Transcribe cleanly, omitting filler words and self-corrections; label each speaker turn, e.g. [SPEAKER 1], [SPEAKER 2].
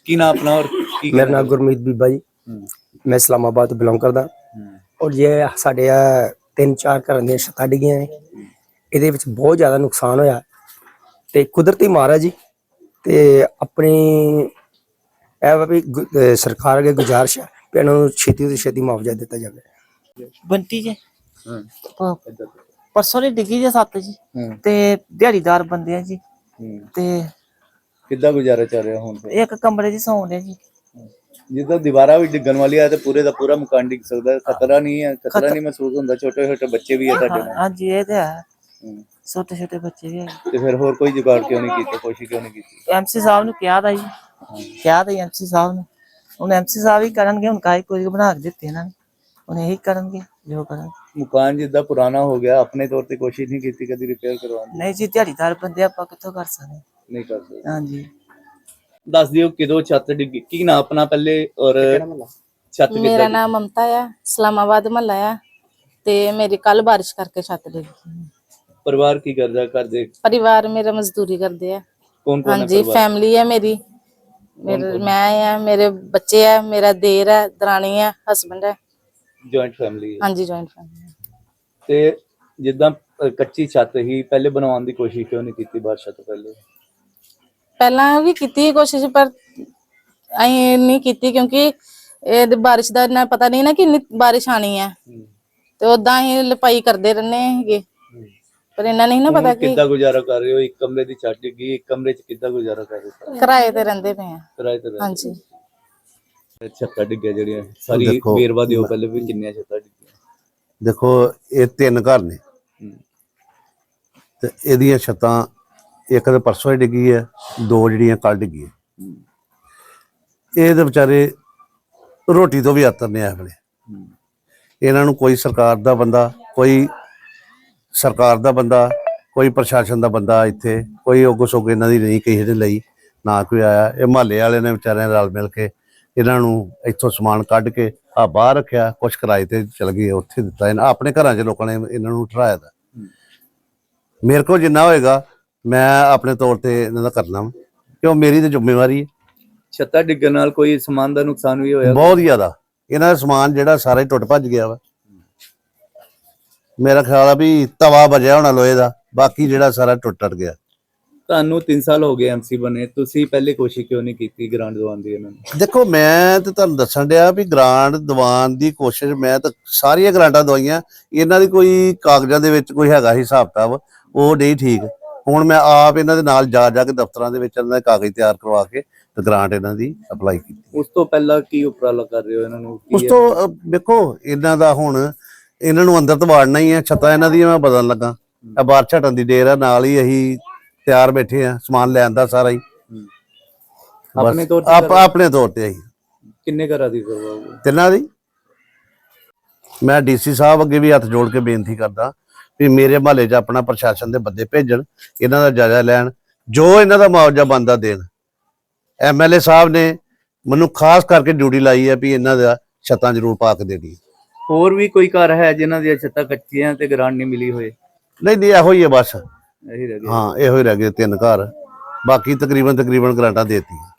[SPEAKER 1] की ना अपना और
[SPEAKER 2] मेरा नाम गुरमीत बीबा जी, मैं इस्लामाबाद तो बिलोंग करदा। और ये साढ़े 3-4 घरां ਦੀਆਂ ਛੱਤਾਂ ਡਿੱਗੀਆਂ ਨੇ। ਇਹਦੇ ਵਿੱਚ ਬਹੁਤ ਜ਼ਿਆਦਾ ਨੁਕਸਾਨ ਹੋਇਆ ਤੇ ਕੁਦਰਤੀ ਮਾਰ ਹੈ ਜੀ। ਤੇ ਆਪਣੀ ਇਹ ਵਾ ਵੀ ਸਰਕਾਰ ਅੱਗੇ ਗੁਜ਼ਾਰਿਸ਼ ਹੈ ਕਿ ਇਹਨਾਂ ਨੂੰ ਛੇਤੀ ਤੋਂ ਛੇਤੀ ਮੁਆਵਜ਼ਾ ਦਿੱਤਾ ਜਾਵੇ।
[SPEAKER 3] ਬੰਟੀ ਜੀ परसों ने डिगी जी 7 जी ते दिहाड़ीदार बंदे जी ते
[SPEAKER 1] किद्दां गुजारा चल रहा हुण
[SPEAKER 3] एक कमरे च सौं रहे जी।
[SPEAKER 1] जिद्दां दीवारां भी डिग्गण वाली है ते पूरे दा पूरा मकान डिग सकदा है। खतरा नहीं महसूस हुंदा। छोटे छोटे बच्चे भी है तुहाडे नाल।
[SPEAKER 3] हां जी ये ते है, छोटे छोटे बच्चे भी है।
[SPEAKER 1] ते फिर होर कोई जुगाड़ क्यों नहीं कीता, कोशिश क्यों नहीं कीती?
[SPEAKER 3] एमसी साहब ने कहा था जी, कहा था एमसी साहब ने, हुण एमसी साहब ही करनगे। हुण काई कोई बना के दित्ते इन्हां ने, हुण यही करनगे जो करन।
[SPEAKER 1] मकान जिद्दां पुराना हो गया, अपने तौर पे कोशिश नहीं की कभी रिपेयर करवाने?
[SPEAKER 3] नहीं जी, दिहाड़ीदार बंदे आपां कित्थों कर सकदे?
[SPEAKER 1] नहीं कर सकते।
[SPEAKER 3] हां जी।
[SPEAKER 1] दस दियो किदों छत डिगी, की ना अपना पहले और छत
[SPEAKER 4] मेरा नाम ममता है, इस्लामाबाद महला है ते मेरी कल बारिश करके छत डिग गई।
[SPEAKER 1] परिवार की करदा कर दे?
[SPEAKER 4] परिवार मेरा मजदूरी करते हैं।
[SPEAKER 1] कौन कौन
[SPEAKER 4] हाँ जी, फैमिली है मेरी, मैं है, मेरे बच्चे है, मेरा देर है, दरानी है, हस्बैंड है।
[SPEAKER 1] जॉइंट फैमिली है?
[SPEAKER 4] हाँ जी, जॉइंट फैमिली।
[SPEAKER 1] ते जिद्दां कच्ची छत ही पहले बनवाने की कोशिश क्यों नहीं की बारिश तो पहले?
[SPEAKER 4] पहला भी की कोशिश पर अं नहीं की क्योंकि बारिश का इन्ना पता नहीं ना कि इन्नी बारिश आनी है, तो उदा ही लपाई करते रहने पर इन्ना नहीं ना पता कि
[SPEAKER 1] किद्दां गुजारा कर रहे हो। एक कमरे की छत डिगी, एक कमरे च किद्दां गुजारा कर रहे हो?
[SPEAKER 4] किराए ते रहंदे पे हैं।
[SPEAKER 1] किराए ते?
[SPEAKER 4] हाँ जी।
[SPEAKER 1] छत्तां डिग्गियां जेहड़ियां सारी बेरवा दिओ पहले भी किन्नियां छत्तां डिग्गियां?
[SPEAKER 5] देखो ये 3 घर ने ते एदियां छत्तां एक तो परसों ही डिगी है, 2 जिहड़ियां कल डिगी है। ये तो बेचारे रोटी तो भी आतर ने इस वेले। इन्हां नूं कोई सरकार दा बंदा, कोई सरकार दा बंदा, कोई प्रशासन दा बंदा इत्थे कोई उग सुग इन्हां दी नहीं किसी दे लई ना कोई आया। ये महल्ले वाले ने बेचारे रल मिल के इन्हां नूं इत्थों समान कढ के आ बाहर रखिया, कुछ किराए ते चल गए उत्थे दित्ता। इन्हां अपने घरां च लोकां ने इन्हां नूं ठहराया दा। मेरे को जिन्ना होएगा मैं अपने तौर ते इन्हां दा करना वा, क्यों मेरी तो जिम्मेवारी है।
[SPEAKER 1] छत्तां डिग्गण नाल कोई समान दा नुकसान भी होया?
[SPEAKER 5] बहुत ज्यादा। इन्हां दा समान जिहड़ा सारा ही टुट भज गया वा। मेरा ख्याल है भी तवा बजया होना लोहे दा, बाकी जिहड़ा सारा टुट गया।
[SPEAKER 1] ਤੁਹਾਨੂੰ 3 ਸਾਲ ਹੋ ਗਏ ਐਮਸੀ ਬਣੇ, ਤੁਸੀਂ ਪਹਿਲੇ ਕੋਸ਼ਿਸ਼ ਕਿਉਂ ਨਹੀਂ ਕੀਤੀ ਗ੍ਰਾਂਟ ਦਿਵਾਉਣ ਦੀ ਇਹਨਾਂ ਨੂੰ?
[SPEAKER 5] देखो मैं तो तुहानू दस्सण दिया भी ग्रांट दिवान की कोशिश मैं तो सारिया ग्रांटां दवाइयां, इन्हां दी कोई कागजां दे विच कोई हैगा हिसाब किताब वो नहीं ठीक। हुण मैं आप इन्हां दे नाल जा के दफ्तरां दे विच इन्हां दे कागज तैयार करवा के ते ग्रांट इन्हां दी अप्लाई कीती।
[SPEAKER 1] ਉਸ ਤੋਂ ਪਹਿਲਾਂ ਕੀ ਉਪਰਾਲਾ ਕਰ ਰਹੇ ਹੋ ਇਹਨਾਂ ਨੂੰ?
[SPEAKER 5] उस तो देखो इन्हां दा हुण इन्हां नूं अंदर तो वाड़ना ही है। छत्तां इन्हां दी मैं बदलन लगा, बाहर छटन दी देर है, नाल ही अहीं तैयार बैठे हैं समान लैन दा सारा ही
[SPEAKER 1] अपने तौर
[SPEAKER 5] अपने तौर ते अहीं।
[SPEAKER 1] किन्ने घरां दी करवाओगे?
[SPEAKER 5] तिन्हां दी मैं डीसी साहब अगे भी हथ जोड़ के बेनती करदा भी मेरे महल्ले च अपना प्रशासन दे बंदे भेजण, इन्हां दा जायजा लैण, जो इन्हां दा मुआवजा बनदा देण। MLA साहब ने मैनूं खास करके ड्यूटी लाई है भी इन्हां दा छत्तां जरूर पा के देनी।
[SPEAKER 1] ਹੋਰ ਵੀ ਕੋਈ ਘਰ ਹੈ ਜਿਨ੍ਹਾਂ ਦੀਆਂ ਛੱਤਾਂ ਕੱਚੀਆਂ ਤੇ ਗ੍ਰਾਂਟ ਨਹੀਂ ਮਿਲੀ ਹੋਏ?
[SPEAKER 5] नहीं इहो ही है बस।
[SPEAKER 1] ਇਹੀ ਰਹਿ ਗਿਆ।
[SPEAKER 5] हाँ इहो ही रह गए 3 घर, बाकी तकरीबन ग्रांटां देती।